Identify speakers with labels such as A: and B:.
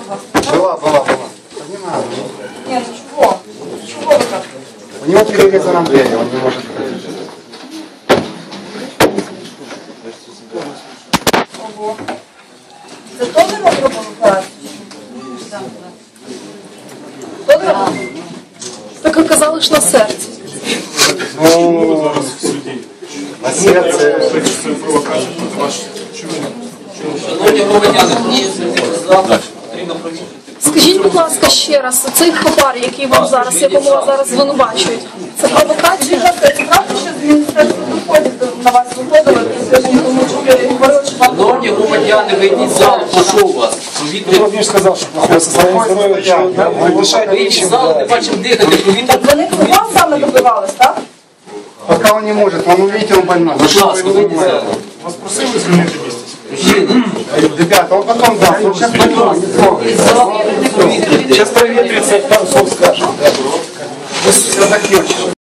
A: Была. Не надо.
B: Нет, ну чего? Чего вы так?
A: У него перерезано двери, он не может ходить.
B: Ого. Це теж робимо операцію? Теж робимо?
C: Так оказали ж на серці.
A: Ну, на серце.
D: Шановні громадяни, потрібно провірити.
C: Скажіть, будь ласка, ще раз, цей хабар, який вам зараз, якому вас зараз звинувачують, це провокація?
B: Це правда, що з Міністерства доходів на вас виходили, тому що ви говорили, що вам...
D: Шановні громадяни, вийдіть з залу, прошу вас.
E: Владимир сказал, что плохое состояние здоровья, что дышать
D: Вийдіть з залу, не бачимо дихати, провірте.
B: Вони вас саме добивались, так?
A: Пока он не может, он увидите, он больной.
D: Будь ласка, вийдіть з залу.
E: Вас просили звільнити місце?
D: Мужчина,
A: Ребята, он потом даст, он сейчас больной, не трогай.
D: з залу, провірте.
E: Сейчас проветрится, там все скажет.
A: Все закончим.